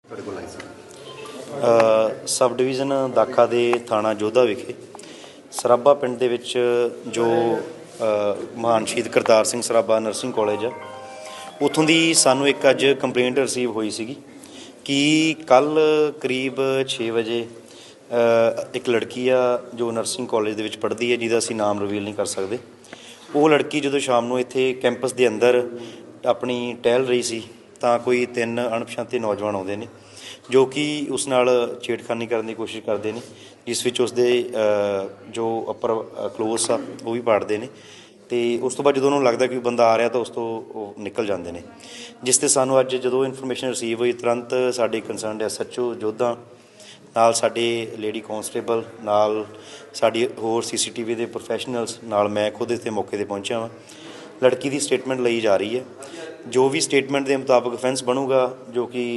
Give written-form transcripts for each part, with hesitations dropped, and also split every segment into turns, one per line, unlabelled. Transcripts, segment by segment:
Sub division ਦਾਖਾ ਦੇ ਥਾਣਾ ਜੋਧਾ ਵਿਖੇ ਸਰਾਭਾ ਪਿੰਡ ਦੇ ਵਿੱਚ ਜੋ ਮਹਾਨ ਸ਼ਹੀਦ ਕਰਤਾਰ ਸਿੰਘ ਸਰਾਭਾ ਨਰਸਿੰਗ ਕਾਲਜ ਆ, ਉੱਥੋਂ ਦੀ ਸਾਨੂੰ ਇੱਕ ਅੱਜ ਕੰਪਲੇਂਟ ਰਿਸੀਵ ਹੋਈ ਸੀਗੀ ਕਿ ਕੱਲ੍ਹ ਕਰੀਬ 6 ਵਜੇ ਇੱਕ ਲੜਕੀ ਆ ਜੋ ਨਰਸਿੰਗ ਕਾਲਜ ਦੇ ਵਿੱਚ ਪੜ੍ਹਦੀ ਹੈ, ਜਿਹਦਾ ਅਸੀਂ ਨਾਮ ਰਿਵੀਲ ਨਹੀਂ ਕਰ ਸਕਦੇ। ਉਹ ਲੜਕੀ ਜਦੋਂ ਸ਼ਾਮ ਨੂੰ ਇੱਥੇ ਕੈਂਪਸ ਦੇ ਅੰਦਰ ਆਪਣੀ ਟਹਿਲ ਰਹੀ ਸੀ ਤਾਂ ਕੋਈ 3 ਅਣਪਛਾਤੇ ਨੌਜਵਾਨ ਆਉਂਦੇ ਨੇ ਜੋ ਕਿ ਉਸ ਨਾਲ ਛੇੜਖਾਨੀ ਕਰਨ ਦੀ ਕੋਸ਼ਿਸ਼ ਕਰਦੇ ਨੇ, ਜਿਸ ਵਿੱਚ ਉਸਦੇ ਜੋ ਅੱਪਰ ਕਲੋਸ ਆ ਉਹ ਵੀ ਪਾੜਦੇ ਨੇ। ਅਤੇ ਉਸ ਤੋਂ ਬਾਅਦ ਜਦੋਂ ਉਹਨਾਂ ਨੂੰ ਲੱਗਦਾ ਕਿ ਬੰਦਾ ਆ ਰਿਹਾ ਤਾਂ ਉਸ ਤੋਂ ਉਹ ਨਿਕਲ ਜਾਂਦੇ ਨੇ। ਜਿਸ 'ਤੇ ਸਾਨੂੰ ਅੱਜ ਜਦੋਂ ਇਨਫੋਰਮੇਸ਼ਨ ਰਿਸੀਵ ਹੋਈ, ਤੁਰੰਤ ਸਾਡੇ ਕੰਸਰਨਡ SHO ਜੋਧਾ ਨਾਲ ਸਾਡੇ ਲੇਡੀ ਕਾਂਸਟੇਬਲ ਨਾਲ ਸਾਡੀ ਹੋਰ CCTV ਦੇ ਪ੍ਰੋਫੈਸ਼ਨਲਸ ਨਾਲ ਮੈਂ ਖੁਦ ਇੱਥੇ ਮੌਕੇ 'ਤੇ ਪਹੁੰਚਿਆ ਵਾਂ। ਲੜਕੀ ਦੀ ਸਟੇਟਮੈਂਟ ਲਈ ਜਾ ਰਹੀ ਹੈ। ਜੋ ਵੀ ਸਟੇਟਮੈਂਟ ਦੇ ਮੁਤਾਬਕ ਅਫੈਂਸ ਬਣੂਗਾ, ਜੋ ਕਿ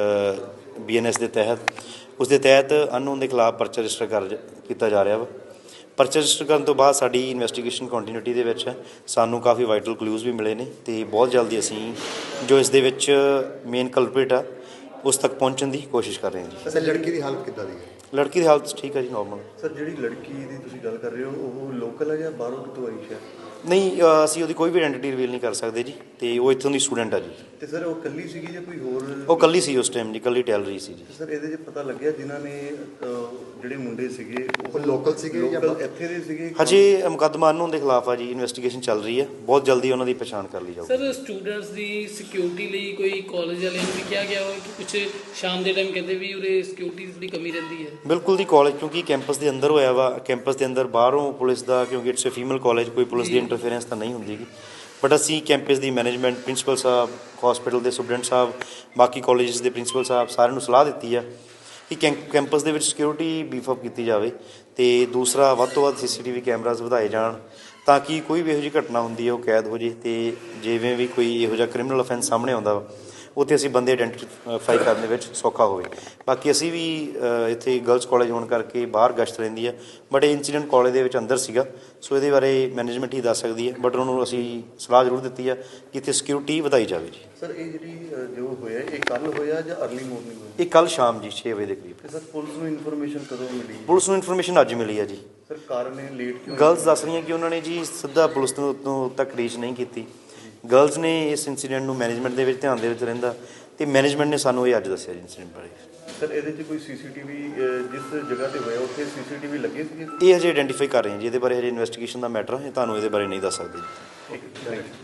BNS ਦੇ ਤਹਿਤ ਉਸ ਦੇ ਤਹਿਤ ਅਨਨੋਨ ਦੇ ਖਿਲਾਫ ਪਰਚਾ ਰਜਿਸਟਰ ਕੀਤਾ ਜਾ ਰਿਹਾ ਵਾ। ਪਰਚਾ ਰਜਿਸਟਰ ਕਰਨ ਤੋਂ ਬਾਅਦ ਸਾਡੀ ਇਨਵੈਸਟੀਗੇਸ਼ਨ ਕੰਟੀਨਿਊਟੀ ਦੇ ਵਿੱਚ ਸਾਨੂੰ ਕਾਫੀ ਵਾਈਟਲ ਕਲੂਜ਼ ਵੀ ਮਿਲੇ ਨੇ ਅਤੇ ਬਹੁਤ ਜਲਦੀ ਅਸੀਂ ਜੋ ਇਸ ਦੇ ਵਿੱਚ ਮੇਨ ਕਲਪਰੇਟ ਆ ਉਸ ਤੱਕ ਪਹੁੰਚਣ ਦੀ ਕੋਸ਼ਿਸ਼ ਕਰ ਰਹੇ ਹਾਂ ਜੀ।
ਸਰ, ਲੜਕੀ ਦੀ ਹਾਲਤ ਕਿੱਦਾਂ ਦੀ ਹੈ?
ਲੜਕੀ ਦੀ ਹਾਲਤ ਠੀਕ ਹੈ ਜੀ, ਨੋਰਮਲ।
ਸਰ, ਜਿਹੜੀ ਲੜਕੀ ਦੀ ਤੁਸੀਂ ਗੱਲ ਕਰ ਰਹੇ ਹੋ ਉਹ ਲੋਕਲ ਹੈ ਜਾਂ ਬਾਹਰੋਂ ਕਿਤੋਂ ਆਈ ਹੈ?
ਨਹੀਂ, ਅਸੀਂ ਉਹਦੀ ਕੋਈ ਵੀ ਆਇਡੈਂਟੀਟੀ ਰਿਵੀਲ ਨਹੀਂ ਕਰ ਸਕਦੇ ਜੀ, ਅਤੇ ਉਹ ਇੱਥੋਂ ਦੀ ਸਟੂਡੈਂਟ ਆ ਜੀ।
ਅਤੇ ਸਰ ਉਹ ਇਕੱਲੀ ਸੀਗੀ ਜਾਂ ਕੋਈ ਹੋਰ?
ਉਹ ਇਕੱਲੀ ਸੀ ਉਸ ਟਾਈਮ ਜੀ, ਇਕੱਲੀ ਟਹਿਲ ਰਹੀ ਸੀ ਜੀ।
ਸਰ, ਇਹਦੇ 'ਚ ਪਤਾ ਲੱਗਿਆ ਜਿਨ੍ਹਾਂ ਨੇ ਜਿਹੜੇ ਮੁੰਡੇ ਸੀਗੇ
ਉਹ ਲੋਕਲ ਸੀਗੇ ਜਾਂ
ਇੱਥੇ ਦੇ ਸੀਗੇ?
ਹਜੇ ਮੁਕੱਦਮਾ ਅਨਨੋਨ ਦੇ ਖਿਲਾਫ ਆ ਜੀ, ਇਨਵੈਸਟੀਗੇਸ਼ਨ ਚੱਲ ਰਹੀ ਹੈ, ਬਹੁਤ ਜਲਦੀ ਉਹਨਾਂ ਦੀ ਪਛਾਣ ਕਰ ਲਈ ਜਾਊਗੀ।
ਸਰ, ਸਟੂਡੈਂਟਸ ਦੀ ਸਿਕਿਉਰਿਟੀ ਲਈ ਕੋਈ ਕਾਲਜ ਵਾਲਿਆਂ ਨੂੰ ਵੀ ਕਿਹਾ ਗਿਆ ਹੋਵੇ ਕਿ ਕੁਛ ਸ਼ਾਮ ਦੇ ਟਾਈਮ ਕਹਿੰਦੇ ਵੀ ਉਰੇ ਸਿਕਿਉਰਿਟੀ ਦੀ ਥੋੜ੍ਹੀ ਕਮੀ ਰਹਿੰਦੀ ਹੈ?
ਬਿਲਕੁਲ ਜੀ, ਕਾਲਜ ਕਿਉਂਕਿ ਕੈਂਪਸ ਦੇ ਅੰਦਰ ਹੋਇਆ ਵਾ, ਕੈਂਪਸ ਦੇ ਅੰਦਰ ਬਾਹਰੋਂ ਪੁਲਿਸ ਦਾ, ਕਿਉਂਕਿ ਇਟਸ ਅ ਫੀਮੇਲ ਕਾਲਜ, ਕੋਈ ਪੁਲਿਸ ਦੀ ਇੰਟਰਫੇਰੈਂਸ ਤਾਂ ਨਹੀਂ ਹੁੰਦੀ ਗੀ। ਬਟ ਅਸੀਂ ਕੈਂਪਸ ਦੀ ਮੈਨੇਜਮੈਂਟ, ਪ੍ਰਿੰਸੀਪਲ ਸਾਹਿਬ, ਹਸਪੀਟਲ ਦੇ ਸੁਪਰਡੈਂਟ ਸਾਹਿਬ, ਬਾਕੀ ਕਾਲਜਸ ਦੇ ਪ੍ਰਿੰਸੀਪਲ ਸਾਹਿਬ ਸਾਰਿਆਂ ਨੂੰ ਸਲਾਹ ਦਿੱਤੀ ਆ ਕਿ ਕੈਂਪਸ ਦੇ ਵਿੱਚ ਸਿਕਿਉਰਿਟੀ ਬੀਫਅਪ ਕੀਤੀ ਜਾਵੇ ਅਤੇ ਦੂਸਰਾ ਵੱਧ ਤੋਂ ਵੱਧ CCTV ਕੈਮਰਾਜ਼ ਵਧਾਏ ਜਾਣ ਤਾਂ ਕਿ ਕੋਈ ਵੀ ਇਹੋ ਜਿਹੀ ਘਟਨਾ ਹੁੰਦੀ ਹੈ ਉਹ ਕੈਦ ਹੋ ਜੇ ਅਤੇ ਜਿਵੇਂ ਵੀ ਕੋਈ ਇਹੋ ਜਿਹਾ ਕ੍ਰਿਮੀਨਲ ਅਫੈਂਸ ਸਾਹਮਣੇ ਆਉਂਦਾ ਵਾ ਉੱਥੇ ਅਸੀਂ ਬੰਦੇ ਆਇਡੈਂਟੀਫਾਈ ਕਰਨ ਦੇ ਵਿੱਚ ਸੌਖਾ ਹੋਵੇ। ਬਾਕੀ ਅਸੀਂ ਵੀ ਇੱਥੇ ਗਰਲਸ ਕਾਲਜ ਹੋਣ ਕਰਕੇ ਬਾਹਰ ਗਸ਼ਤ ਰਹਿੰਦੀ ਹੈ, ਬਟ ਇਹ ਇੰਸੀਡੈਂਟ ਕਾਲਜ ਦੇ ਵਿੱਚ ਅੰਦਰ ਸੀਗਾ, ਸੋ ਇਹਦੇ ਬਾਰੇ ਮੈਨੇਜਮੈਂਟ ਹੀ ਦੱਸ ਸਕਦੀ ਹੈ, ਬਟ ਉਹਨਾਂ ਨੂੰ ਅਸੀਂ ਸਲਾਹ ਜ਼ਰੂਰ ਦਿੱਤੀ ਆ ਕਿ ਇੱਥੇ ਸਿਕਿਉਰਿਟੀ ਵਧਾਈ ਜਾਵੇ ਜੀ।
ਸਰ, ਇਹ ਜਿਹੜੀ ਜੋ ਹੋਇਆ ਇਹ ਕੱਲ੍ਹ ਹੋਇਆ ਜਾਂ ਅਰਲੀ ਮੋਰਨਿੰਗ ਹੋਇਆ?
ਇਹ ਕੱਲ੍ਹ ਸ਼ਾਮ ਜੀ 6 ਵਜੇ ਦੇ ਕਰੀਬ।
ਅਤੇ ਸਰ, ਪੁਲਿਸ ਨੂੰ ਇਨਫੋਰਮੇਸ਼ਨ ਕਦੋਂ ਮਿਲੀ?
ਪੁਲਿਸ ਨੂੰ ਇਨਫੋਰਮੇਸ਼ਨ ਅੱਜ ਮਿਲੀ ਆ ਜੀ।
ਸਰ, ਕਾਰਨ ਇਹ ਲੇਟ ਕਿਉਂ?
ਗਰਲਸ ਦੱਸ ਰਹੀਆਂ ਕਿ ਉਹਨਾਂ ਨੇ ਜੀ ਸਿੱਧਾ ਪੁਲਿਸ ਨੂੰ ਤੱਕ ਰੀਚ ਨਹੀਂ ਕੀਤੀ। ਗਰਲਸ ਨੇ ਇਸ ਇੰਸੀਡੈਂਟ ਨੂੰ ਮੈਨੇਜਮੈਂਟ ਦੇ ਵਿੱਚ ਧਿਆਨ ਦੇ ਵਿੱਚ ਰਹਿੰਦਾ ਅਤੇ ਮੈਨੇਜਮੈਂਟ ਨੇ ਸਾਨੂੰ ਇਹ ਅੱਜ ਦੱਸਿਆ ਜੀ ਇੰਸੀਡੈਂਟ ਬਾਰੇ।
ਸਰ, ਇਹਦੇ 'ਚ ਕੋਈ CCTV ਜਿਸ ਜਗ੍ਹਾ 'ਤੇ ਹੋਇਆ ਉੱਥੇ CCTV ਲੱਗੇ ਸੀਗੇ?
ਇਹ ਹਜੇ ਆਇਡੈਂਟੀਫਾਈ ਕਰ ਰਹੇ ਹਾਂ ਜੀ, ਇਹਦੇ ਬਾਰੇ ਹਜੇ ਇਨਵੈਸਟੀਗੇਸ਼ਨ ਦਾ ਮੈਟਰ ਹੈ, ਤੁਹਾਨੂੰ ਇਹਦੇ ਬਾਰੇ ਨਹੀਂ ਦੱਸ ਸਕਦੇ ਜੀ।
ਠੀਕ ਹੈ, ਥੈਂਕ ਯੂ।